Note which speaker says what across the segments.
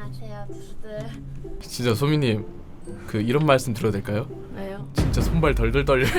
Speaker 1: 안녕하세요, 두수들.
Speaker 2: 진짜 소미님 그 이런 말씀 드려도 될까요?
Speaker 1: 왜요?
Speaker 2: 진짜 손발 덜덜 떨려요.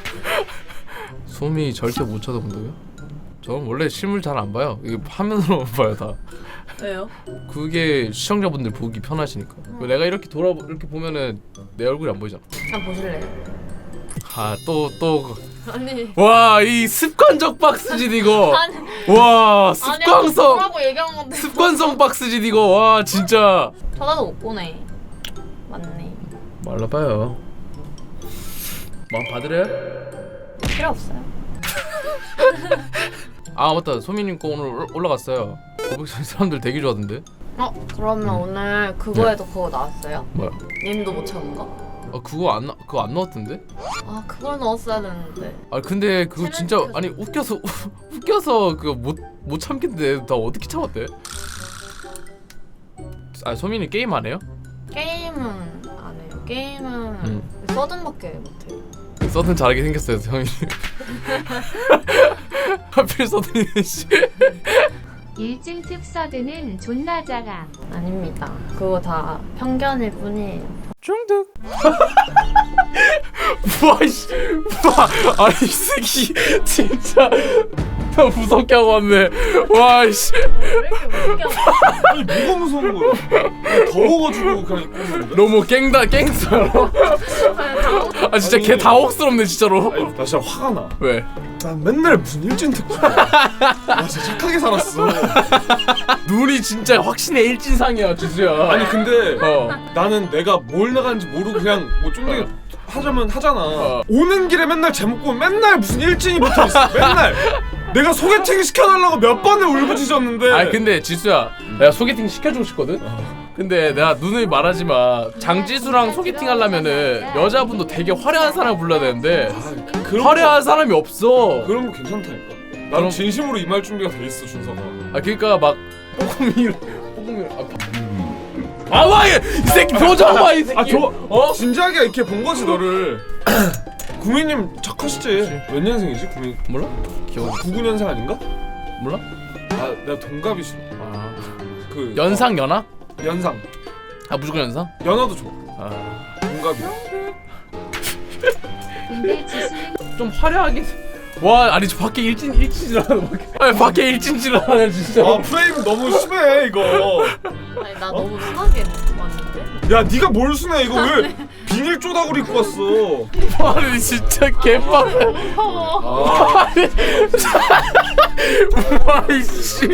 Speaker 2: 소미 절대 못 쳐다본다고요? 저는 원래 실물 잘 안 봐요. 이게 화면으로만 봐요 다.
Speaker 1: 왜요?
Speaker 2: 그게 시청자분들 보기 편하시니까. 내가 이렇게 이렇게 보면은 내 얼굴이 안 보이잖아.
Speaker 1: 한번 보실래요?
Speaker 2: 아 또
Speaker 1: 아니.
Speaker 2: 와 이 습관적 박스짓 이거.
Speaker 1: 아니.
Speaker 2: 와
Speaker 1: 아니, 아까
Speaker 2: 습관성
Speaker 1: 보라고 얘기한 건데.
Speaker 2: 습관성 박스짓 이거. 와 진짜.
Speaker 1: 쳐다도 못 보네. 맞네.
Speaker 2: 말라봐요. 마음 받으래요?
Speaker 1: 필요 없어요.
Speaker 2: 아 맞다, 소미님 거 오늘 올라갔어요. 고백선 사람들 되게 좋아하던데.
Speaker 1: 그러면 오늘 그거에도 그거 나왔어요?
Speaker 2: 뭐야?
Speaker 1: 님도 못 찾은 거?
Speaker 2: 그거 안 나왔던데?
Speaker 1: 아, 그걸 넣었어야 되는데.
Speaker 2: 아 근데 그거 진짜
Speaker 1: 챌린지
Speaker 2: 아니 웃겨서 그거 못 참겠는데 나 어떻게 참았대? 아 소민이 게임 안 해요?
Speaker 1: 게임은 안 해요. 게임은 서든밖에 못해요.
Speaker 2: 서든 잘하게 생겼어요 성민이. 하필 서든이 씨.
Speaker 3: 일진 특서드는 존나 작아.
Speaker 1: 아닙니다. 그거 다 편견일 뿐이에요.
Speaker 2: 중득. 와씨, 와, 아니 이 새끼 진짜 나 무섭게 하고 왔네. 와씨.
Speaker 1: 왜 이렇게 웃겨?
Speaker 4: 아니 뭐가 무서운 거야? 더워가지고 그냥 입고 있는 건데?
Speaker 2: 너무 갱스터로. 아 진짜 걔 당혹스럽네 진짜로.
Speaker 4: 아니 나 진짜 화가 나.
Speaker 2: 왜?
Speaker 4: 난 맨날 무슨 일진 특집이야. 나 진짜 착하게 살았어.
Speaker 2: 눈이 진짜 확신의 일진상이야 지수야.
Speaker 4: 아니 근데
Speaker 2: 어.
Speaker 4: 나는 내가 뭘 나가는지 모르고 그냥 뭐 좀 더 하자면 하잖아. 오는 길에 맨날 제목 보면 맨날 무슨 일진이 붙어있어. 맨날 내가 소개팅 시켜달라고 몇 번을 울부짖었는데.
Speaker 2: 아니 근데 지수야, 내가 소개팅 시켜주고 싶거든. 근데 내가 누누이 말하지 마. 장지수랑 소개팅 하려면은 여자분도 되게 화려한 사람 불러야 되는데
Speaker 4: 그런
Speaker 2: 화려한 사람이 없어.
Speaker 4: 그런 거 괜찮다니까.
Speaker 2: 그럼-
Speaker 4: 나는 진심으로 이 말 준비가 돼 있어 준서가.
Speaker 2: 아 그러니까 막 뽀금이 아와 이 새끼 표정 봐 이 새끼.
Speaker 4: 진지하게 이렇게 본 거지 너를. 구미님 착하시지? 몇 년생이지 구미?
Speaker 2: 몰라? 기억
Speaker 4: 99년생 아닌가?
Speaker 2: 몰라?
Speaker 4: 아 내가 동갑이시.
Speaker 2: 아
Speaker 4: 그
Speaker 2: 연상 연하?
Speaker 4: 연상.
Speaker 2: 아 무조건 연상?
Speaker 4: 연하도 좋아.
Speaker 2: 아
Speaker 4: 동갑이야.
Speaker 3: 근데 지수는
Speaker 2: 좀 화려하게. 와 아니 저 밖에 일진질하는 밖에. 아니 밖에 일진질하네 진짜.
Speaker 4: 아 프레임 너무 심해 이거.
Speaker 1: 아니, 나 너무 순하게 왔는데?
Speaker 4: 야 네가 뭘 순해 이거 왜 비닐 쪼다구리 입고 왔어?
Speaker 2: 아니 진짜 개빡.
Speaker 1: 무서워.
Speaker 2: 와이씨.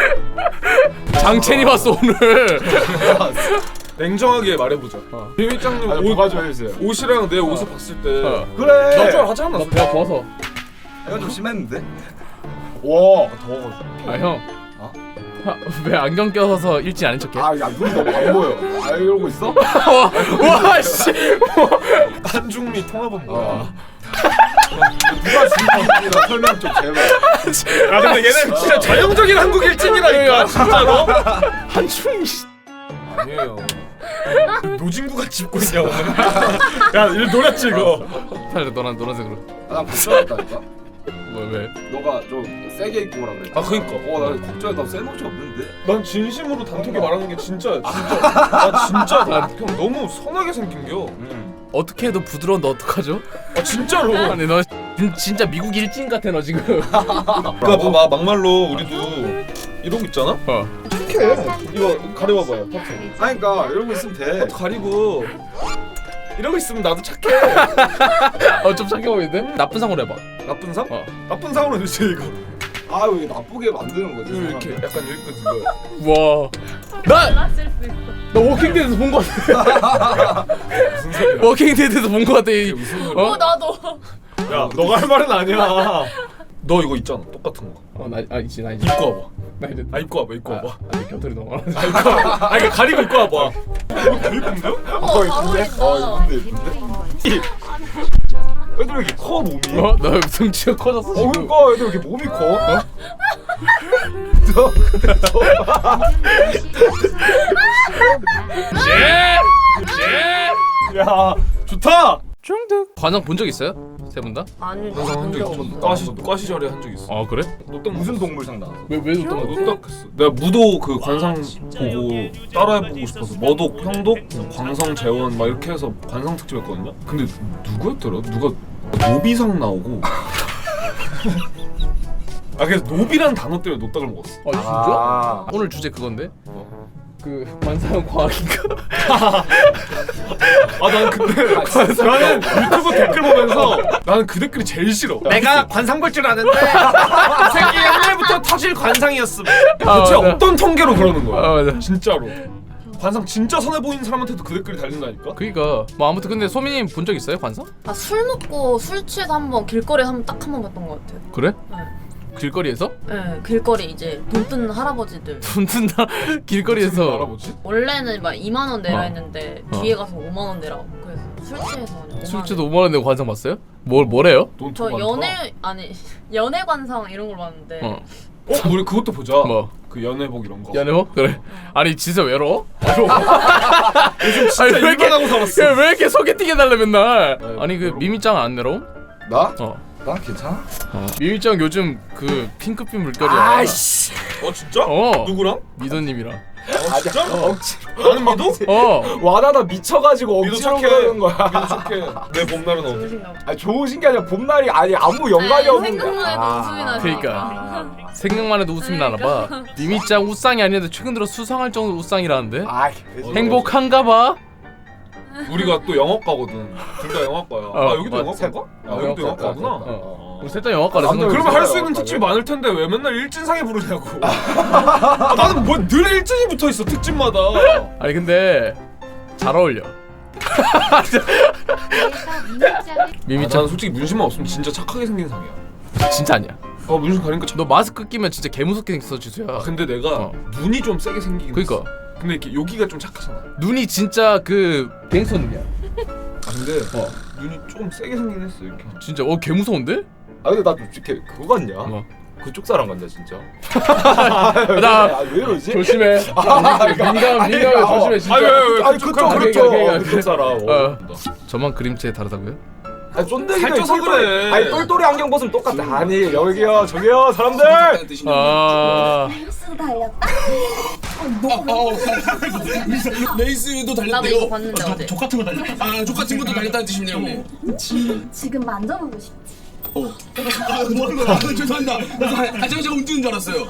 Speaker 2: 장첸이 왔어 오늘.
Speaker 4: 냉정하게 말해보자. 비밀장님
Speaker 5: 뭐가 좀 해주세요.
Speaker 4: 옷이랑 내 옷을 봤을 때
Speaker 5: 그래.
Speaker 4: 나좀 하지 않았어?
Speaker 2: 배가 부어서.
Speaker 5: 내가 좀 심했는데. 와 더워가지고.
Speaker 2: 아 형. 왜 안경 껴서 일진 아닌 척해?
Speaker 5: 아야 눈이 너무 안 보여. 아 이러고 있어?
Speaker 2: 와씨.
Speaker 4: 한중미 통합은 뭐야?
Speaker 5: 누가 진짜 설명 좀 제발.
Speaker 4: 아 근데 얘네 진짜 전형적인 한국 일진이라니까 진짜로.
Speaker 2: 한충이.
Speaker 4: 아니에요. 노진구가 짚고 있냐 오늘? 야 이거 노렸지 이거.
Speaker 2: 살려 너랑 노란색으로.
Speaker 5: 나 걱정했다니까.
Speaker 2: 뭐 왜?
Speaker 5: 너가 좀 세게 입고 오라 그랬.
Speaker 4: 아 그니까.
Speaker 5: 나 걱정해. 나센 옷이 없는데.
Speaker 4: 난 진심으로 단톡에 말하는 게 진짜 나 진짜 형 너무 선하게 생긴겨.
Speaker 2: 어떻게 해도 부드러운데 어떡하죠?
Speaker 4: 아 진짜로.
Speaker 2: 아니 너 진짜 미국 일진 같아 너 지금.
Speaker 4: 그러니까 뭐 막말로 우리도 이러고 있잖아. 착해. 이거 가려봐봐요. 파트.
Speaker 5: 아니 그러니까 이러고 있으면 돼.
Speaker 4: 파트 가리고 이러고 있으면 나도 착해.
Speaker 2: 좀 착해 보이는데? 나쁜 상으로 해봐.
Speaker 4: 나쁜 상?
Speaker 2: 어.
Speaker 4: 나쁜 상으로 해주지 이거.
Speaker 5: 아 왜 나쁘게 만드는 거지?
Speaker 4: 이렇게 약간 여기까지 이거.
Speaker 2: 와.
Speaker 1: 달랐을 수 있어.
Speaker 2: 나 워킹데드에서 본 거 같아.
Speaker 4: 무슨 소리야?
Speaker 2: 워킹데드에서 본 거 같아.
Speaker 4: 이게 무슨 소리야?
Speaker 1: 나도.
Speaker 4: 야 너가 할 말은 아니야. 너 이거 있잖아 똑같은 거.
Speaker 2: 있지 나 이제.
Speaker 4: 입고 와봐.
Speaker 2: 나 이제.
Speaker 4: 입고 와봐 입고 와봐.
Speaker 2: 아니 곁털이 너무 많아.
Speaker 4: 입고 와봐. 이거 가리고 입고 와봐. 이거 더 이쁜데요?
Speaker 5: 이쁜데 이쁜데.
Speaker 4: 애들 왜 이렇게 커 몸이?
Speaker 2: 나 등치가 커졌어 지금.
Speaker 4: 그러니까 애들 왜 이렇게 몸이 커? 야 좋다.
Speaker 2: 중득. 관상 본 적 있어요? 세 분 다?
Speaker 1: 아니
Speaker 4: 관상 한 적 있어. 과 시절에 한 적 있어.
Speaker 2: 아 그래?
Speaker 4: 너 딱
Speaker 5: 무슨 동물상 나왔어?
Speaker 2: 왜 또?
Speaker 4: 너도 딱 했어. 내가 무도 그 관상 보고 따라해보고 싶어서 머독, 형독, 광성, 재원 막 이렇게 해서 관상 특집 했거든요. 근데 누구였더라? 누가 노비상 나오고 아 그래서 노비라는 단어 때문에 노딱을 먹었어.
Speaker 2: 아 진짜?
Speaker 5: 아.
Speaker 2: 오늘 주제 그건데? 그 관상 과학인가?
Speaker 4: 아 난 근데 나는 유튜브 댓글 보면서 나는 그 댓글이 제일 싫어. 내가 관상 볼 줄 아는데 이 새끼 옛날부터 터질 관상이었음. 대체
Speaker 2: 맞아.
Speaker 4: 어떤 통계로 그러는 거야?
Speaker 2: 아 맞아.
Speaker 4: 진짜로. 관상 진짜 선해 보이는 사람한테도 그 댓글이 달린다니까?
Speaker 2: 그니까 뭐 아무튼 근데 소민님 본 적 있어요 관상?
Speaker 1: 술 먹고 술 취해서 한번 길거리에서 딱 한 번 봤던 것 같아요.
Speaker 2: 그래?
Speaker 1: 네.
Speaker 2: 길거리에서?
Speaker 1: 네, 길거리 이제 돈 뜯는 할아버지들.
Speaker 2: 돈 든다 길거리에서
Speaker 4: 알아보지?
Speaker 1: 원래는 막 2만 원 내라
Speaker 2: 어.
Speaker 1: 했는데
Speaker 2: 어.
Speaker 1: 뒤에 가서 5만 원 내라고. 그래서 술 취해서 그냥 5만 원.
Speaker 2: 술집도 5만 원 내고 관상 봤어요? 뭐래요?
Speaker 4: 돈
Speaker 1: 저
Speaker 4: 더
Speaker 1: 연애 아니 연애 관상 이런 걸 봤는데
Speaker 2: 어.
Speaker 4: 우리 그것도 보자.
Speaker 2: 뭐?
Speaker 4: 그 연애복 이런 거.
Speaker 2: 연애복? 그래. 아니 진짜 외로워?
Speaker 4: 요즘 진짜
Speaker 2: 아니, 왜 이렇게-
Speaker 4: 일만 하고 살았어.
Speaker 2: 야, 왜 이렇게 소개팅 해달래 맨날?
Speaker 4: 아유,
Speaker 2: 아니 그
Speaker 4: 외로워.
Speaker 2: 미미짱 안 내려옴?
Speaker 5: 나?
Speaker 2: 어.
Speaker 5: 난 괜찮아.
Speaker 2: 미미짱 요즘 그 핑크빛 물결이야.
Speaker 5: 아이씨.
Speaker 4: 진짜?
Speaker 2: 어.
Speaker 4: 누구랑?
Speaker 2: 미도님이랑.
Speaker 4: 진짜?
Speaker 5: 억지로.
Speaker 4: 나는 미도?
Speaker 2: 어.
Speaker 5: 와나나 미쳐가지고
Speaker 4: 미도
Speaker 5: 억지로
Speaker 4: 착해.
Speaker 5: 그러는 거야.
Speaker 4: 미도 착해. 내 봄날은 어디?
Speaker 1: 좋으신가 봐.
Speaker 5: 아니 좋으신 게 아니라 봄날이 아니 아무 연관이 없는 거야.
Speaker 1: 생각만 해도 웃음이 나지.
Speaker 2: 그러니까. 생각만 해도 웃음이 나나 봐. 미미짱 우상이 아닌데 최근 들어 수상할 정도로 우상이라는데?
Speaker 5: 아,
Speaker 2: 행복한가 봐?
Speaker 4: 우리가 또 영어과거든. 둘 다 영어과야.
Speaker 2: 어,
Speaker 4: 아 여기도
Speaker 2: 맞아.
Speaker 4: 영어과인가? 아 여기도 영어과구나.
Speaker 2: 어. 우리 셋 다 영화과라서.
Speaker 5: 남들
Speaker 4: 그러면 할 수
Speaker 5: 진짜
Speaker 4: 있는 특집이
Speaker 5: 영어과네.
Speaker 4: 많을 텐데 왜 맨날 일진상에 부르냐고. 아, 나는 뭐 늘 일진이 붙어 있어 특집마다.
Speaker 2: 아니 근데 잘 어울려.
Speaker 3: 그래서 미니짱을
Speaker 2: 미미짱
Speaker 4: 나는 솔직히 문신만 없으면 진짜 착하게 생긴 상이야.
Speaker 2: 진짜 아니야.
Speaker 4: 문신 가리니까
Speaker 2: 너 마스크 끼면 진짜 개무섭게 생겼어 지수야.
Speaker 4: 근데 내가
Speaker 2: 어.
Speaker 4: 눈이 좀 세게 생기긴
Speaker 2: 그니까
Speaker 4: 했어. 근데 이렇게 여기가 좀 착하잖아.
Speaker 2: 눈이 진짜 그 갱스터 눈이야.
Speaker 4: 아 근데 눈이 좀 세게 생긴 했어 이렇게.
Speaker 2: 진짜 개무서운데?
Speaker 5: 아 근데 나도 이렇게 그거 같냐?
Speaker 2: 뭐?
Speaker 5: 그쪽 사람 같냐 진짜?
Speaker 2: 나
Speaker 5: 아, 왜 이러지?
Speaker 2: 조심해. 민감 조심해 진짜.
Speaker 5: 아니 그쪽 그쪽
Speaker 2: 그러니까.
Speaker 5: 그쪽 사람.
Speaker 2: 어. 저만 그림체 다르다고요?
Speaker 5: 아니 쫀득이도
Speaker 4: 살쪄서 그래.
Speaker 5: 아니 똘똘이 안경 벗으면 똑같아. 아니 여기요 저기요 사람들.
Speaker 2: 아
Speaker 6: 레이스도 달렸다?
Speaker 7: 레이스도
Speaker 1: 나도
Speaker 7: 달렸대요.
Speaker 1: 이거 봤는데 어제.
Speaker 7: 족 같은 거 달렸다. 아, 족 같은 것도 달렸다는 뜻이네요, 형님.
Speaker 6: 지금 만져보고 싶지?
Speaker 7: 아, 뭐하는 거야? 아, 죄송합니다. 제가 움직이는 줄 알았어요.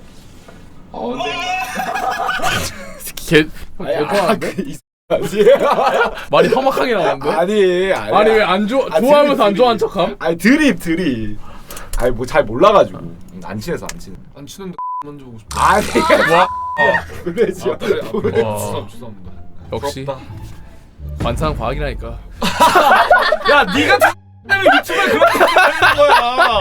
Speaker 2: 개 개좋아하는데? 말이 험악하게 나오는데? 아니 왜 안 좋아 좋아하면서 안 좋아한 척함?
Speaker 5: 아니 드립. 아니 뭐 잘 몰라가지고 안 친해서 안 친해.
Speaker 4: 안 치는데 만져보고 싶어.
Speaker 5: 아니
Speaker 2: 와
Speaker 5: 그래지.
Speaker 4: 아, 그래.
Speaker 2: 와.
Speaker 4: 죄송합니다.
Speaker 2: 역시
Speaker 4: 부럽다.
Speaker 2: 관상 과학이라니까.
Speaker 4: 야 네가 때문에 유튜브에 그렇게 하는 거야.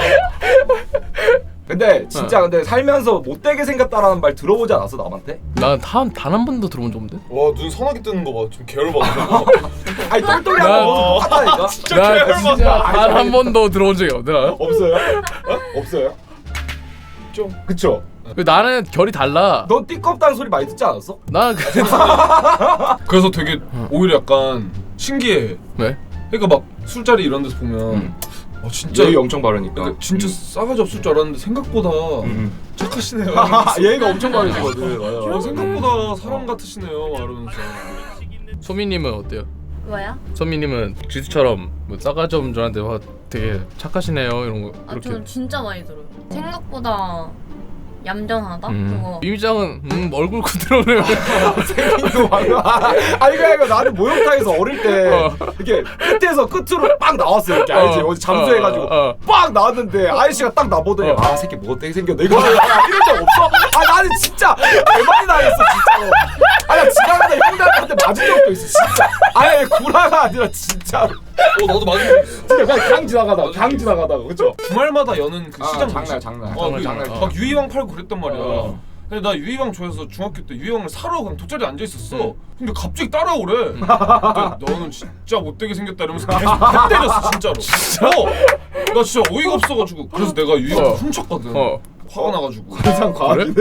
Speaker 5: 근데 진짜 근데 살면서 못되게 생겼다라는 말 들어보지 않았어 남한테?
Speaker 2: 난 단 한 번도 들어본 적 없는데?
Speaker 4: 와눈 선하게 뜨는 거 봐. 좀 게을러봐.
Speaker 5: 아니 똘똘이
Speaker 2: 나-
Speaker 5: 한거 똑같다니까.
Speaker 2: 나 진짜 단 한 번도 들어본 적이 없더라.
Speaker 5: 없어요? 없어요?
Speaker 4: 좀.
Speaker 5: 그쵸?
Speaker 2: 나는 결이 달라.
Speaker 5: 넌 띠껍다는 소리 많이 듣지 않았어?
Speaker 2: 나
Speaker 4: 그래서 되게 오히려 약간 신기해.
Speaker 2: 왜?
Speaker 4: 그러니까 막 술자리 이런 데서 보면 진짜
Speaker 5: 예의 엄청 바르니까.
Speaker 4: 그러니까 진짜 싸가지 없을 줄 알았는데 생각보다 착하시네요.
Speaker 5: 예의가 엄청 바르시거든. 맞아.
Speaker 4: 생각보다 사람 같으시네요. 말하면서.
Speaker 2: 소미님은 어때요?
Speaker 1: 뭐야?
Speaker 2: 소미님은 지수처럼 뭐 싸가지 없는 줄알았는데 와 되게 착하시네요 이런 거
Speaker 1: 아
Speaker 2: 이렇게.
Speaker 1: 저는 진짜 많이 들어요. 생각보다 얌전하다. 그거.
Speaker 2: 미미짱은 얼굴 그대로네.
Speaker 5: 생긴 거 아니 그러니까 나는 목욕탕에서 어릴 때 이렇게 끝에서 끝으로 빡 나왔어 이렇게 알지? 어디 잠수해가지고 빡 나왔는데 아저씨가 딱 나보더니 아 새끼 뭐 어떻게 생겼네 이거 이런 적 없어? 아 나는 진짜 대박이 나겠어 진짜로. 아나 지나가다 형들한테 맞은 적도 있어 진짜. 아니 구라가 아니라 진짜로.
Speaker 4: 나도 맞은 적 있어.
Speaker 5: 진짜 그냥 강 지나가다가 그쵸?
Speaker 4: 주말마다 여는 그 시장
Speaker 5: 장날
Speaker 4: 뭐지?
Speaker 5: 장날.
Speaker 2: 장날.
Speaker 4: 막 유희왕 팔고 그랬단 말이야.
Speaker 2: 어.
Speaker 4: 근데 나 유희왕 좋아해서 중학교 때 유희왕을 사러 그냥 돗자리에 앉아 있었어. 근데 갑자기 따라오래. 근데 너는 진짜 못되게 생겼다 이러면서 계속 배 때렸어 진짜로. 나 진짜 어이가 없어가지고 그래서 내가 유희왕 훔쳤거든. 화가 나가지고.
Speaker 5: 항상 과학이네.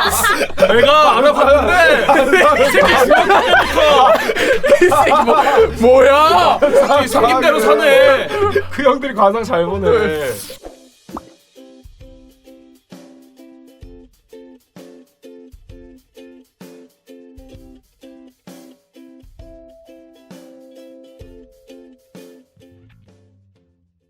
Speaker 4: 내가 알아봤는데 이 새끼 죽었다니까.
Speaker 2: 이 새끼 뭐야?
Speaker 4: 생긴 대로 사네.
Speaker 5: 그 형들이 관상 잘 보네.